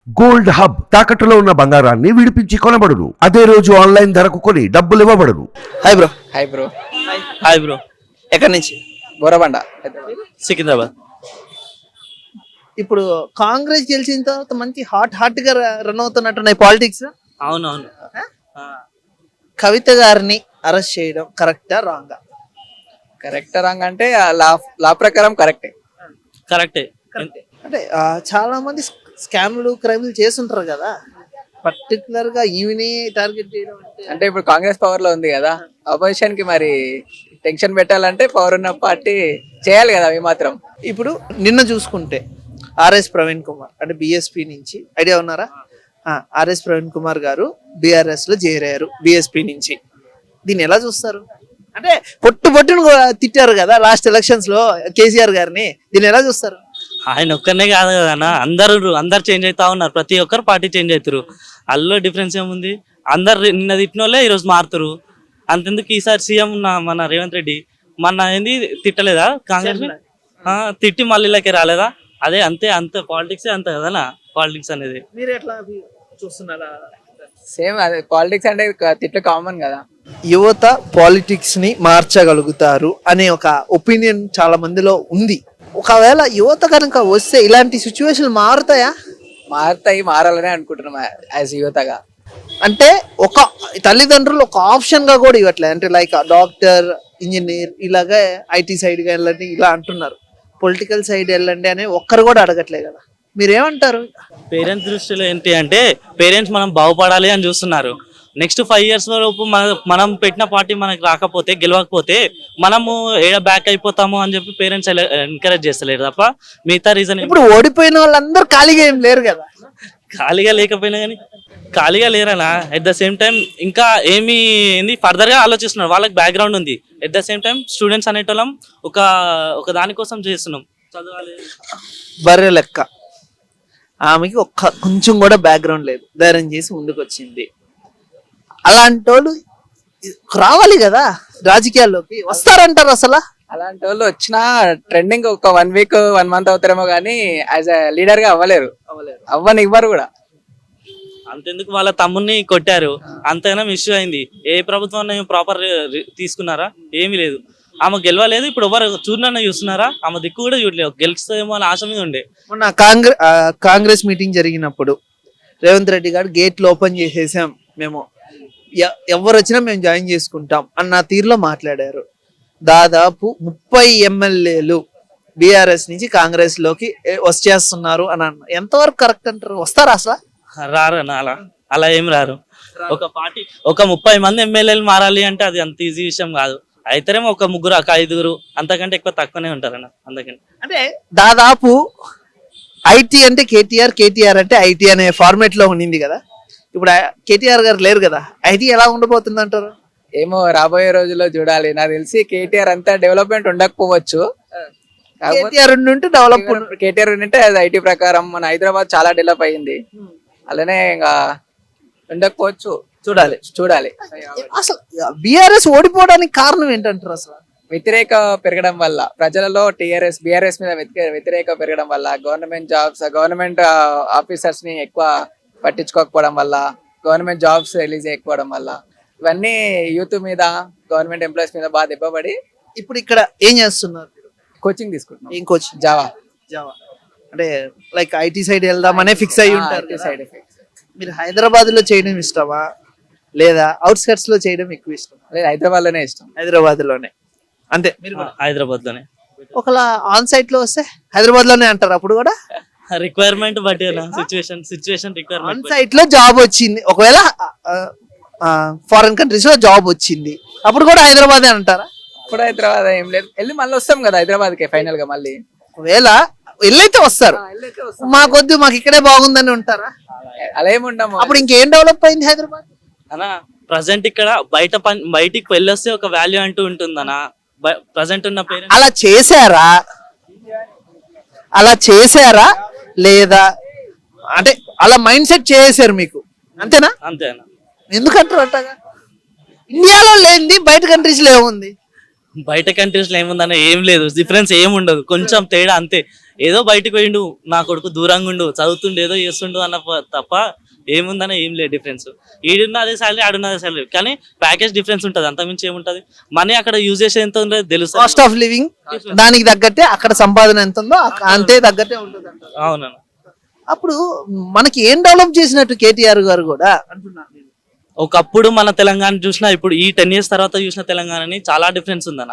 Gold hub తాకట్టులో ఉన్న బంగారాన్ని విడిపించి కొనబడును. అదే రోజు ఆన్లైన్ ధరకు కొని డబ్బులు ఇవ్వబడును. Hi bro. Hi bro. Hi bro. ఎక్కడి నుంచి? బోరబండ. సికింద్రాబాద్. ఇప్పుడు కాంగ్రెస్ గెలిచిన తర్వాత మంచి హాట్ గా రన్ అవుతున్నట్టున్నాయి పాలిటిక్స్. అవునవును. కవిత గారిని అరెస్ట్ చేయడం కరెక్టా రాంగా? కరెక్ట్ రాంగ్ అంటే లా ప్రకారం కరెక్టే. కరెక్టే. అంటే చాలా మంది స్కామ్లు క్రైమ్లు చేస్తుంటారు కదా, పర్టికులర్ గా ఈవిని టార్గెట్ చేయడం అంటే ఇప్పుడు కాంగ్రెస్ పవర్ లో ఉంది కదా, అపోజిషన్ కి మరి టెన్షన్ పెట్టాలంటే పవర్ ఉన్న పార్టీ చేయాలి కదా అవి మాత్రం. ఇప్పుడు నిన్న చూసుకుంటే ఆర్ఎస్ ప్రవీణ్ కుమార్ అంటే బిఎస్పి నుంచి, ఐడియా ఉన్నారా? ఆర్ఎస్ ప్రవీణ్ కుమార్ గారు బిఆర్ఎస్ లో చేరారు బిఎస్పి నుంచి. దీన్ని ఎలా చూస్తారు? అంటే పొట్టును తిట్టారు కదా లాస్ట్ ఎలక్షన్స్ లో కేసీఆర్ గారిని, దీన్ని ఎలా చూస్తారు? ఆయన ఒక్కనే కాదు కదా అన్న, అందరు చేంజ్ అవుతా ఉన్నారు. ప్రతి ఒక్కరు పార్టీ చేంజ్ అవుతారు. అందులో డిఫరెన్స్ ఏముంది? అందరు నిన్న తిట్టిన వాళ్ళే ఈరోజు మారుతారు. అంతెందుకు ఈసారి సీఎం మన రేవంత్ రెడ్డి మన ఏంది తిట్టలేదా కాంగ్రెస్? తిట్టి మళ్ళీ ఇలాగే రాలేదా? అదే అంతే పాలిటిక్స్ అంత కదా పాలిటిక్స్ అనేది. మీరు ఎట్లా చూస్తున్నారా? సేమ్ అదే పాలిటిక్స్ అంటే తిట్లు కామన్ కదా. యువత పాలిటిక్స్ ని మార్చగలుగుతారు అనే ఒక ఒపీనియన్ చాలా మందిలో ఉంది. ఒకవేళ యువత కనుక వస్తే ఇలాంటి సిచ్యువేషన్ మారుతాయా? మారాలనే అనుకుంటున్నాం యాజ్ యువతగా. అంటే ఒక తల్లిదండ్రులు ఒక ఆప్షన్ గా కూడా ఇవ్వట్లేదు. అంటే లైక్ డాక్టర్, ఇంజనీర్, ఇలాగే ఐటీ సైడ్ గా వెళ్ళండి ఇలా అంటున్నారు. పొలిటికల్ సైడ్ వెళ్ళండి అని ఒక్కరు కూడా అడగట్లేదు కదా, మీరేమంటారు? పేరెంట్స్ దృష్టిలో ఏంటి అంటే పేరెంట్స్ మనం బాగుపడాలి అని చూస్తున్నారు. నెక్స్ట్ 5 years వరకు మనం పెట్టిన పార్టీ మనకి రాకపోతే, గెలవకపోతే మనము ఏడ బ్యాక్ అయిపోతాము అని చెప్పి పేరెంట్స్ ఎంకరేజ్ చేస్తలేరు తప్ప మిగతా రీజన్. ఇప్పుడు ఓడిపోయిన వాళ్ళందరూ ఖాళీగా ఏం లేరు కదా. ఖాళీగా లేకపోయినా కానీ ఖాళీగా లేరనా. ఎట్ ద సేమ్ టైం ఇంకా ఏంది ఫర్దర్ గా ఆలోచిస్తున్నారు. వాళ్ళకి బ్యాక్గ్రౌండ్ ఉంది. At the same time students అనేటోళ్ళం ఒక దానికోసం చేస్తున్నాం, చదవాలి. బర్రె లెక్క ఆమెకి కొంచెం కూడా బ్యాక్గ్రౌండ్ లేదు, ధైర్యం చేసి ముందుకు వచ్చింది. అలాంటి వాళ్ళు రావాలి కదా రాజకీయాల్లోకి. వస్తారంటారు అసలు? అలాంటి వాళ్ళు వచ్చినా ట్రెండింగ్ ఒక 1 week 1 month అవుతారేమో కానీ యాజ్ ఎ లీడర్ గా అవ్వలేరు. ఇవ్వరు కూడా. అంతెందుకు వాళ్ళ తమ్ముడిని కొట్టారు, అంతైనా ఇష్యూ అయింది. ఏ ప్రభుత్వం ప్రాపర్ తీసుకున్నారా? ఏమీ లేదు. ఆమె గెలవలేదు. ఇప్పుడు ఎవరు చూస్తున్నారా? ఆమె దిక్కు కూడా చూడలేదు. గెలుస్తుందేమో అని ఆశ మీద ఉండే. మొన్న కాంగ్రెస్ మీటింగ్ జరిగినప్పుడు రేవంత్ రెడ్డి గారు గేట్లు ఓపెన్ చేసేసాం, మేము ఎవరు వచ్చినా మేము జాయిన్ చేసుకుంటాం అన్న తీరులో మాట్లాడారు. దాదాపు 30 MLAలు బీఆర్ఎస్ నుంచి కాంగ్రెస్ లోకి వచ్చేస్తున్నారు అని అన్న. ఎంతవరకు కరెక్ట్ అంటారు? వస్తారా అసలు? రారు అలా ఏం రారు. ఒక పార్టీ ఒక 30 మంది ఎమ్మెల్యేలు మారాలి అంటే అది అంత ఈజీ విషయం కాదు. అయితేనేమో ఒక 3 ఒక 5 అంతకంటే ఎక్కువ తక్కువనే ఉంటారన్న. అందుకని అంటే దాదాపు ఐటీ అంటే కేటీఆర్ అంటే ఐటీ అనే ఫార్మేట్ లో ఉండింది కదా. ఇప్పుడు కేటీఆర్ గారు లేరు కదా, ఐటీ ఎలా ఉండబోతుంది అంటారు? ఏమో రాబోయే రోజుల్లో చూడాలి. నాకు తెలిసి కేటీఆర్ అంతా డెవలప్మెంట్ ఉండకపోవచ్చు. కేటీఆర్ ఉంటే అది ఐటీ ప్రకారం మన హైదరాబాద్ చాలా డెవలప్ అయ్యింది. అలానే ఇంకా ఉండకపోవచ్చు. చూడాలి. అసలు బీఆర్ఎస్ ఓడిపోవడానికి కారణం ఏంటంటారు? అసలు వ్యతిరేక పెరగడం వల్ల ప్రజలలో బీఆర్ఎస్ మీద వ్యతిరేక పెరగడం వల్ల, గవర్నమెంట్ ఆఫీసర్స్ ని ఎక్కువ పట్టించుకోకపోవడం వల్ల, గవర్నమెంట్ జాబ్స్ రిలీజ్ చేయకపోవడం వల్ల, ఇవన్నీ యూత్ మీద, గవర్నమెంట్ ఎంప్లాయీస్ మీద బాగా దెబ్బపడి ఇప్పుడు ఇక్కడ ఏం చేస్తున్నారు? కోచింగ్ తీసుకుంటున్నాం. ఏం కోచింగ్? జావా. అంటే లైక్ ఐటీ సైడ్ వెళ్దామనే ఫిక్స్ అయ్యి ఉంటారు. సైడ్ మీరు హైదరాబాద్ లో చేయడం ఇష్టమా లేదా అవుట్స్కట్స్ లో చేయడం ఎక్కువ ఇష్టమా? లేదు, హైదరాబాద్ లోనే ఇష్టం. హైదరాబాద్ లోనే అంతే. మీరు హైదరాబాద్ లోనే. ఒకలా ఆన్ సైట్ లో వస్తే హైదరాబాద్ లోనే అంటారు. అప్పుడు కూడా రిక్వైర్మెంట్ బట్టి సిచ్యువేషన్ రిక్వైర్మెంట్. ఆన్ సైట్ లో జాబ్ వచ్చింది, ఒకవేళ ఫారెన్ కంట్రీస్ లో జాబ్ వచ్చింది, అప్పుడు కూడా హైదరాబాద్ అంటారా? ఇప్పుడు హైదరాబాద్ ఏం లేదు, వెళ్ళి మళ్ళీ వస్తాం కదా హైదరాబాద్ కి ఫైనల్ గా. మళ్ళీ ఒకవేళ వెళ్ళైతే వస్తారు, మాకొద్దు మాకు ఇక్కడే బాగుందని ఉంటారా? అలా ఏముండము. అప్పుడు ఇంకేం డెవలప్ అయింది హైదరాబాద్ అనా? ప్రజెంట్ ఇక్కడ బయటికి వెళ్ళొస్తే ఒక వాల్యూ అంటూ ఉంటుందనా? ప్రజెంట్ ఉన్న పేరెంట్స్ అలా చేశారా లేదా? అంటే అలా మైండ్ సెట్ చేశారు మీకు, అంతేనా? అంతేనా? ఎందుకంటారు అట్టగా? ఇండియాలో లేనిది బయట కంట్రీస్ లో ఏముంది? బయట కంట్రీస్ లో ఏముందన్న ఏం లేదు, డిఫరెన్స్ ఏం ఉండదు, కొంచెం తేడా అంతే. ఏదో బయటకు పోయిండు, నా కొడుకు దూరంగా ఉండు, చదువుతుండు, ఏదో చేస్తుండు అన్న తప్ప ఏముందన్న ఏం లేదు డిఫరెన్స్. ఈడున్న అదే సాలరీ, ఆడున్న అదే సాలరీ, కానీ ప్యాకేజ్ డిఫరెన్స్ ఉంటుంది, అంతమించి ఏముంటది. మనీ అక్కడ యూజ్ చేసే ఎంత ఉందో తెలుసు. కాస్ట్ ఆఫ్ లివింగ్ దానికి తగ్గట్టే అక్కడ సంపాదన ఎంత ఉందో అంతే తగ్గట్టే ఉంటుంది అంటారు. అవునన్న. అప్పుడు మనకి ఏం డెవలప్ చేసినట్టు కేటీఆర్ గారు కూడా అంటున్నాను నేను. ఒకప్పుడు మన తెలంగాణ చూసినా ఇప్పుడు ఈ 10 years తర్వాత చూసిన తెలంగాణని చాలా డిఫరెన్స్ ఉందన్న.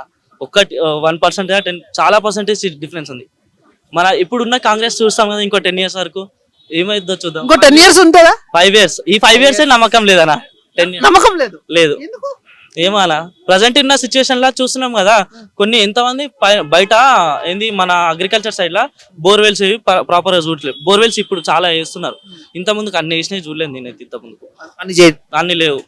1% 10 చాలా పర్సెంటేజ్ డిఫరెన్స్ ఉంది. మన ఇప్పుడున్న కాంగ్రెస్ చూస్తాం కదా, ఇంకో 10 years వరకు ఏమైందో చూద్దాం. ఇంకో 10 years ఉంటుందా? 5 years, ఈ 5 years నమ్మకం లేదన్న. 10 years నమ్మకం లేదు. లేదు. ఎందుకు? ఏమన్నా ప్రజెంట్ ఉన్న సిచ్యువేషన్ లా చూస్తున్నాం కదా, కొన్ని ఎంతమంది బయట ఏంది మన అగ్రికల్చర్ సైడ్ లా బోర్వెల్స్ ప్రాపర్ గా చూడలేదు. బోర్వెల్స్ ఇప్పుడు చాలా వేస్తున్నారు, ఇంత ముందుకు అన్ని వేసినవి చూడలేదు నేనైతే. ఇంత ముందుకు అన్ని లేవు.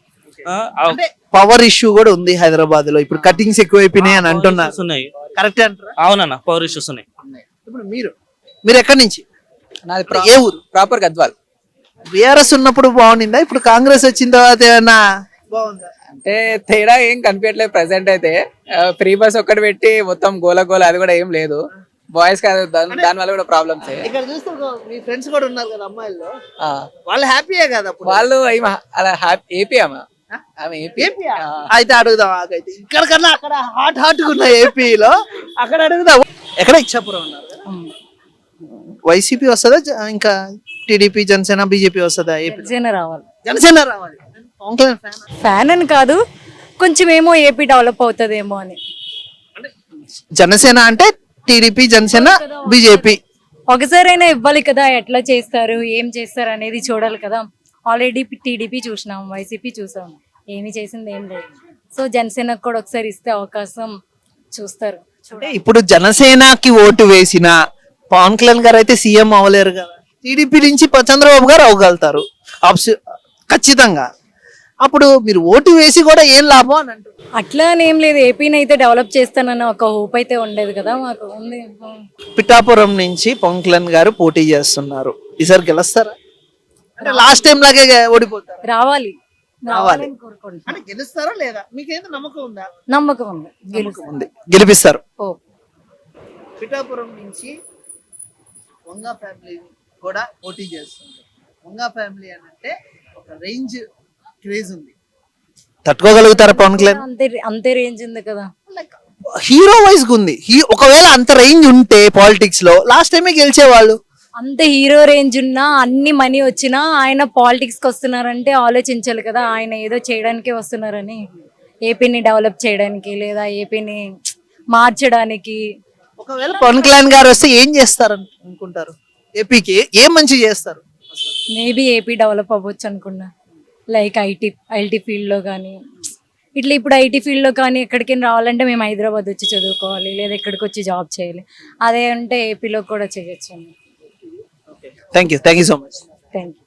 పవర్ ఇష్యూ కూడా ఉంది హైదరాబాద్ లో, ఇప్పుడు కటింగ్స్ ఎక్కువైపోయినాయి అని అంటున్నారు. ఉన్నాయి. కరెక్ట్ అంటారా? అవునన్న, పవర్ ఇష్యూస్ ఉన్నాయి. ఇప్పుడు మీరు ఎక్కడి నుంచి? నాది ఏ ఊరు? ప్రాపర్ గద్వాల్. బీఆర్ఎస్ ఉన్నప్పుడు బాగుండిందా? ఇప్పుడు కాంగ్రెస్ వచ్చిన తర్వాత ఏమన్నా బాగుందా? అంటే తేడా ఏం కనిపించట్లేదు ప్రెసెంట్ అయితే. ఫ్రీ బస్ ఒక్కటి పెట్టి మొత్తం గోల గోల, అది కూడా ఏం లేదు. బాయ్స్ కాదు, దాని వల్ల కూడా ప్రాబ్లమ్స్. ఇక్కడ చూస్తే మీ ఫ్రెండ్స్ కూడా ఉన్నారు కదా అమ్మాయిలు, వాళ్ళు హ్యాపీయే కదా అప్పుడు? వాళ్ళు అలా ఏపీ ఆమె ఏపీ. అయితే అడుగుదాం, ఆగైతే ఇక్కడ కన్నా అక్కడ హాట్ ఉన్న ఏపీలో అక్కడ అడుగుదాం. ఎక్కడ ఇచ్చాపురం ఉన్నారు? వైసీపీ వస్తుందా ఇంకా టీడీపీ, జనసేన, బీజేపీ వస్తుందా? జనసేన రావాలి. జనసేన రావాలి. ఫ్యాన్ అని కాదు, కొంచెం ఏమో ఏపీ డెవలప్ అవుతుందేమో అని. జనసేన అంటే టీడీపీ, జనసేన, బీజేపీ ఒకసారైనా ఇవ్వాలి కదా, ఎట్లా చేస్తారు, ఏం చేస్తారు అనేది చూడాలి కదా. ఆల్రెడీ టీడీపీ చూసినాం, వైసీపీ చూసాం, ఏమి చేసింది ఏం లేదు. సో జనసేనకు కూడా ఒకసారి ఇస్తే అవకాశం చూస్తారు. అంటే ఇప్పుడు జనసేనకి ఓటు వేసిన పవన్ కళ్యాణ్ గారు అయితే సీఎం అవ్వలేరు కదా, టీడీపీ నుంచి చంద్రబాబు గారు అవ్వగలుగుతారు ఖచ్చితంగా. అప్పుడు మీరు ఓటు వేసి కూడా ఏం లాభం అని అంటారు? అట్లా అని ఏం లేదు, ఏపీని అయితే డెవలప్ చేస్తానన్న ఒక హోప్ అయితే ఉండేది కదా మాకు, ఉంది. పిఠాపురం నుంచి పవన్ కళ్యాణ్ గారు పోటీ చేస్తున్నారు, ఈసారి గెలుస్తారా? అంటే లాస్ట్ టైం లాగే ఓడిపోతారు? రావాలి రావాలి కోరుకుంటున్నాం. అంటే గెలుస్తారా లేదా? మీకేంత నమ్మకం ఉందా? నమ్మకం ఉంది, ఉంది, గెలిపిస్తారు. ఓ పిఠాపురం నుంచి వంగ ఫ్యామిలీ కూడా పోటీ చేస్తుంది. వంగ ఫ్యామిలీ అని అంటే ఒక రేంజ్ క్రేజ్ ఉంది, తట్టుకోగలుగుతారా పవన్ కళ్యాణ్? అంతే రేంజ్ ఉంది కదా, హీరో వైజ్ ఉంది. ఒకవేళ అంత రేంజ్ ఉంటే పాలిటిక్స్ లో లాస్ట్ టైమే గెలిచేవాళ్ళు. అంత హీరో రేంజ్ ఉన్నా, అన్ని మనీ వచ్చినా ఆయన పాలిటిక్స్ కి వస్తున్నారంటే ఆలోచించాలి కదా. ఆయన ఏదో చేయడానికి వస్తున్నారని, ఏపీని డెవలప్ చేయడానికి లేదా ఏపీని మార్చడానికి. ఒకవేళ పవన్ కళ్యాణ్ గారు వస్తే ఏం చేస్తారు అనుకుంటారు? ఏపీకి ఏం మంచి చేస్తారు? మేబీ ఏపీ డెవలప్ అవ్వచ్చు అనుకున్నా, లైక్ ఐటీ ఫీల్డ్లో కానీ ఇట్లా. ఇప్పుడు ఐటీ ఫీల్డ్లో కానీ ఎక్కడికైనా రావాలంటే మేము హైదరాబాద్ వచ్చి చదువుకోవాలి, లేదా ఎక్కడికి వచ్చి జాబ్ చేయాలి. అదే అంటే ఏపీలో కూడా చేయొచ్చు. Thank you so much. Thank you.